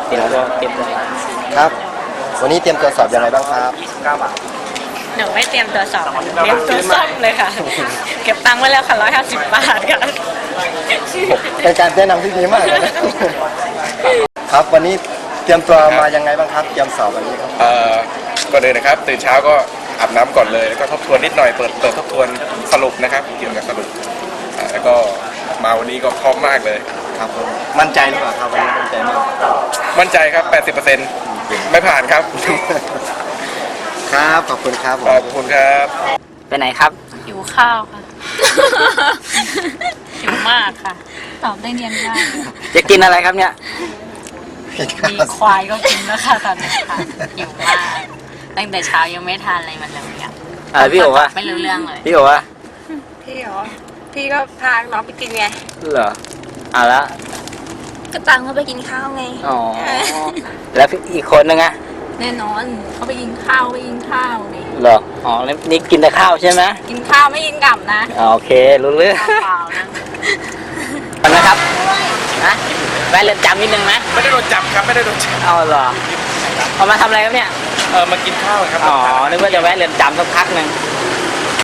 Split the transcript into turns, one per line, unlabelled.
เดี๋ยวเราเตรียมตัว
ครับ วันนี้เตรียมตัวสอบยังไงบ้างครับ
29 บาท
หนูไม่เตรียมตัวสอบค่ะเตรียมตัวซ่อมเลยค่ะ เก็บตังค์ไว้แล้วค่ะ150 บาทค่ะ
เป็นการแนะนำที่ดีมากเลยนะครับวันนี้เตรียมตัวมายังไงบ้างครับเตรียมสอบวันนี้ครับ
ก่อนเลยนะครับตื่นเช้าก็อาบน้ำก่อนเลยแล้วก็ทบทวนนิดหน่อยเปิดทบทวนสรุปนะครับเกี่ยวกับสรุปแล้วก็มาวันนี้ก็พร้อมมากเลย
ครับผมมั่นใจหรือเปล่าครับวันนี้มั่นใจมาก
มั่นใจครับ 80%ไม่ผ่านครับ
ครับขอบคุณครับผม
ขอบคุณครับ
ไปไหนครับ
หิวข้าวค่ะ หิวมากค่ะ ตอบได้เนียนมาก
จะกินอะไรครับเนี่ย
มีควายก็กินแล้วค่ะตอนนี้ค่ะ หิวมาก ตั้งแต่เช้ายังไม่ทานอะไรมันเลยอ่ะ
พี่บอกว่า
ไม่รู้เรื่องเลย
พี่บอกว่า
พี่เหรอ พี่ก็พาน้องไปกินไง
เหรอละ
ก็ตังเขาไปกินข้าวไง
อ๋อแล้วอีกคนนึงอะ
แน่นอนเขาไปกินข้าวนี่
เหรออ๋อแล้วนี่กินแต่ข้าวใช่ไหม
กินข้าวไม่กินกลับนะ
โอเครู้เรื่อง
เปล่าๆนะ
ก่อนนะครับนะแวะเรือนจำนิดนึงไหม
ไม่ได้โดนจับครับไม่ได้โดนจับ
เอาเหรอเอามาทำอะไรครับเนี่ย
มากินข้าวครับ
อ๋อนึกว่าจะแวะเรือนจำสักพักหนึ่ง